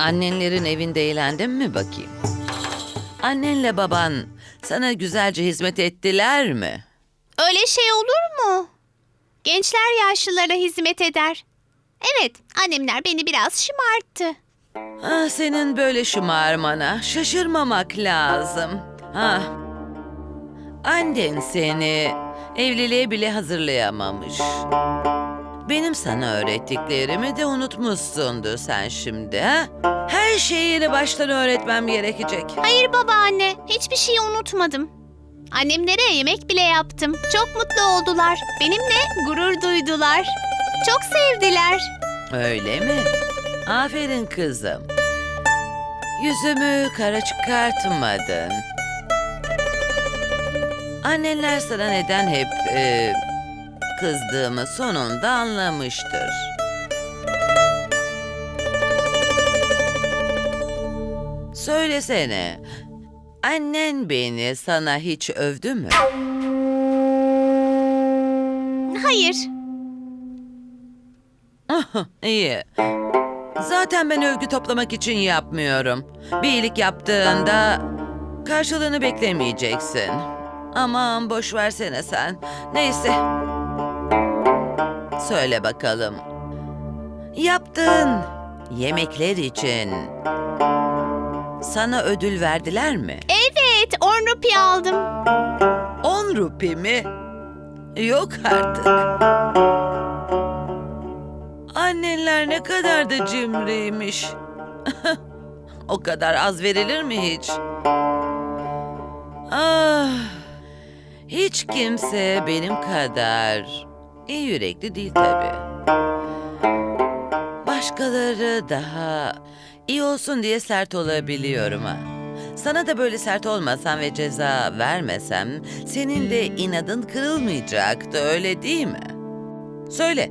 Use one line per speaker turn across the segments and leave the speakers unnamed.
Annenlerin evinde eğlendin mi bakayım? Annenle baban sana güzelce hizmet ettiler mi?
Öyle şey olur mu? Gençler yaşlılara hizmet eder. Evet, annemler beni biraz şımarttı.
Ah, senin böyle şımarmana şaşırmamak lazım. Ah, annen seni evliliğe bile hazırlayamamış. Benim sana öğrettiklerimi de unutmuşsundur sen şimdi, ha? Her şeyi yeni baştan öğretmem gerekecek.
Hayır babaanne, hiçbir şeyi unutmadım. Annemlere yemek bile yaptım. Çok mutlu oldular. Benimle gurur duydular. Çok sevdiler.
Öyle mi? Aferin kızım. Yüzümü kara çıkartmadın. Annenler sana neden hep kızdığımı sonunda anlamıştır. Söylesene, annen beni sana hiç övdü mü?
Hayır.
İyi. Zaten ben övgü toplamak için yapmıyorum. Bir iyilik yaptığında karşılığını beklemeyeceksin. Aman boş versene sen. Neyse. Söyle bakalım. Yaptığın yemekler için sana ödül verdiler mi?
Evet, 10 rupi aldım.
10 rupi mi? Yok artık. Annenler ne kadar da cimriymiş. O kadar az verilir mi hiç? Ah, hiç kimse benim kadar iyi yürekli değil tabii. Başkaları daha iyi olsun diye sert olabiliyorum ha. Sana da böyle sert olmasam ve ceza vermesem senin de inadın kırılmayacaktı, öyle değil mi? Söyle.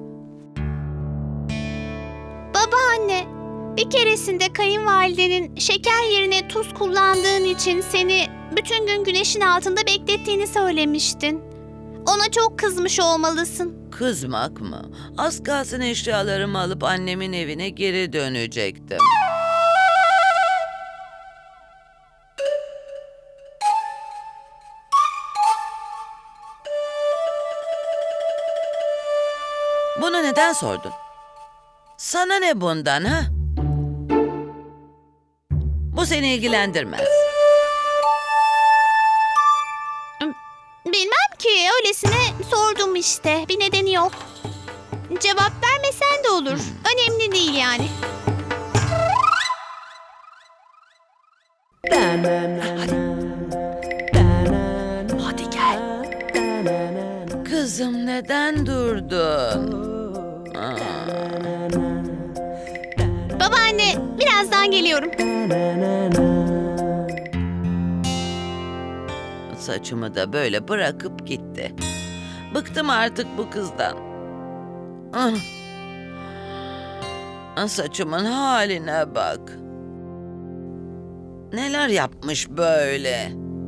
Babaanne, bir keresinde kayınvalidenin şeker yerine tuz kullandığın için seni bütün gün güneşin altında beklettiğini söylemiştin. Ona çok kızmış olmalısın.
Kızmak mı? Az kalsın eşyalarımı alıp annemin evine geri dönecektim. Bunu neden sordun? Sana ne bundan, ha? Bu seni ilgilendirmez.
Bilmem ki, öylesine sordum işte. Bir nedeni yok. Cevap vermesen de olur. Önemli değil yani.
Hadi gel. Kızım neden durdun?
Babaanne, birazdan geliyorum.
Saçımı da böyle bırakıp gitti. Bıktım artık bu kızdan. Ah. Saçımın haline bak. Neler yapmış böyle?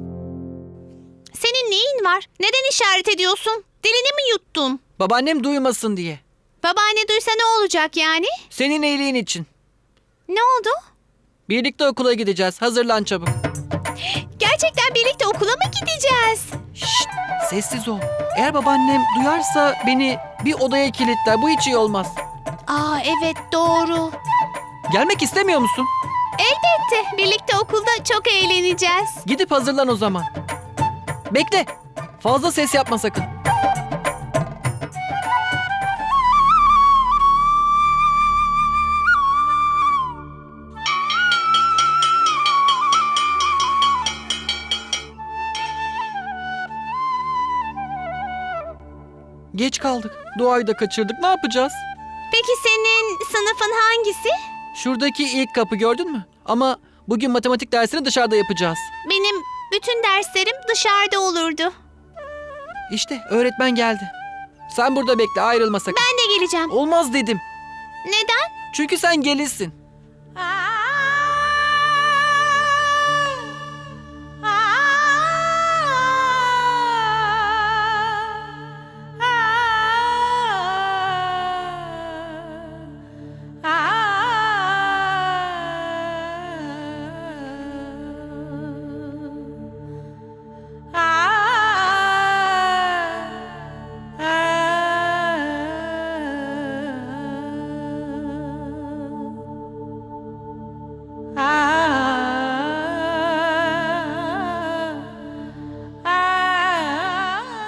Senin neyin var? Neden işaret ediyorsun? Dilini mi yuttun?
Babaannem duymasın diye.
Babaanne duysa ne olacak yani?
Senin iyiliğin için.
Ne oldu?
Birlikte okula gideceğiz. Hazırlan çabuk.
Gerçekten birlikte okula mı gideceğiz?
Şşt, sessiz ol. Eğer babaannem duyarsa beni bir odaya kilitler. Bu hiç iyi olmaz.
Aa evet doğru.
Gelmek istemiyor musun?
Elbette birlikte okulda çok eğleneceğiz.
Gidip hazırlan o zaman. Bekle. Fazla ses yapma sakın. Geç kaldık. Doğayı da kaçırdık. Ne yapacağız?
Peki senin sınıfın hangisi?
Şuradaki ilk kapı gördün mü? Ama bugün matematik dersini dışarıda yapacağız.
Benim bütün derslerim dışarıda olurdu.
İşte öğretmen geldi. Sen burada bekle, ayrılma sakın.
Ben de geleceğim.
Olmaz dedim.
Neden?
Çünkü sen gelinsin.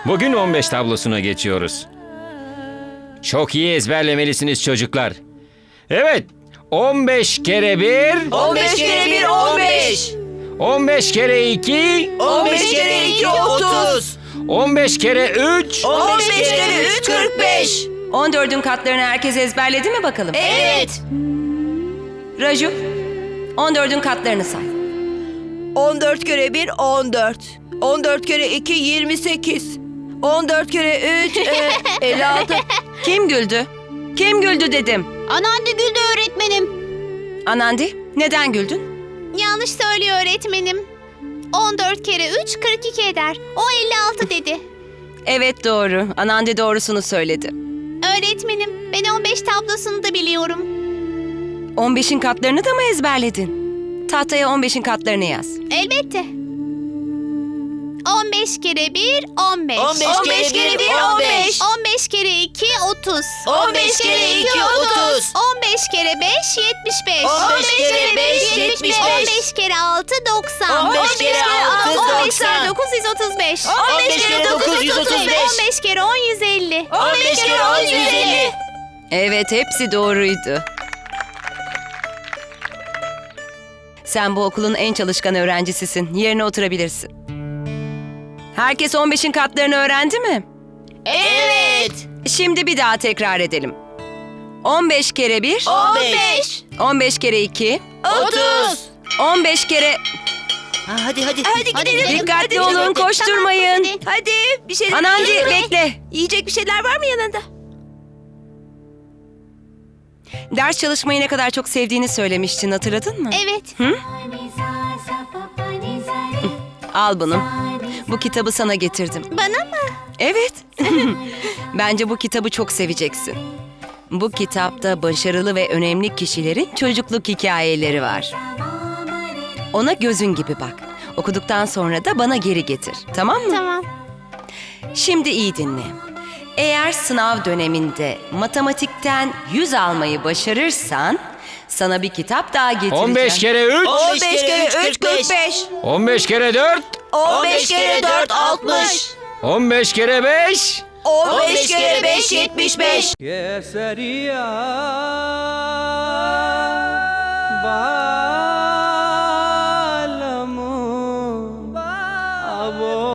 Bugün 15 tablosuna geçiyoruz. Çok iyi ezberlemelisiniz çocuklar. Evet, 15 kere 1,
15 kere 1 15.
15 kere 2,
15 kere 2 30.
15 kere 3,
15 kere 3 45.
14'ün katlarını herkes ezberledi mi bakalım?
Evet.
Raju, 14'ün katlarını say.
14 kere 1 14. 14 kere 2 28. 14 kere 3 56.
Kim güldü? Kim güldü dedim.
Anneanne güldü öğretmenim.
Anandi, neden güldün?
Yanlış söylüyor öğretmenim. 14 kere 3 42 eder. O 56 dedi.
Evet doğru. Anandi doğrusunu söyledi.
Öğretmenim ben 15 tablosunu da biliyorum.
15'in katlarını da mı ezberledin? Tahtaya 15'in katlarını yaz.
Elbette. 15 kere 1 15.
15 kere 1 15.
15 kere 2 30.
15 kere 2 30.
15 kere 5 75.
15 kere 5 75.
15 kere 6 90.
15 kere 6
15 kere
90.
9 135.
15 kere 9 135.
15 kere 10 150.
15 kere 10 150.
Evet hepsi doğruydu. Sen bu okulun en çalışkan öğrencisisin. Yerine oturabilirsin. Herkes 15'in katlarını öğrendi mi?
Evet.
Şimdi bir daha tekrar edelim. 15 kere 1,
15.
15 kere 2,
30.
15 kere...
Hadi hadi. Hadi
gidelim.
Dikkatli olun, koşturmayın.
Tamam,
Hadi bir şeyler.
Anandi bekle.
Yiyecek bir şeyler var mı yanında?
Ders çalışmayı ne kadar çok sevdiğini söylemiştin, hatırladın mı?
Evet.
Al bunu. Bu kitabı sana getirdim.
Bana mı?
Evet. Bence bu kitabı çok seveceksin. Bu kitapta başarılı ve önemli kişilerin çocukluk hikayeleri var. Ona gözün gibi bak. Okuduktan sonra da bana geri getir. Tamam mı?
Tamam.
Şimdi iyi dinle. Eğer sınav döneminde matematikten 100 almayı başarırsan sana bir kitap daha getireceğim.
15 kere 3,
15 kere 3 45.
15 kere 4,
15 kere 4 60.
15 kere 5,
15 kere 5 75.
Kesariya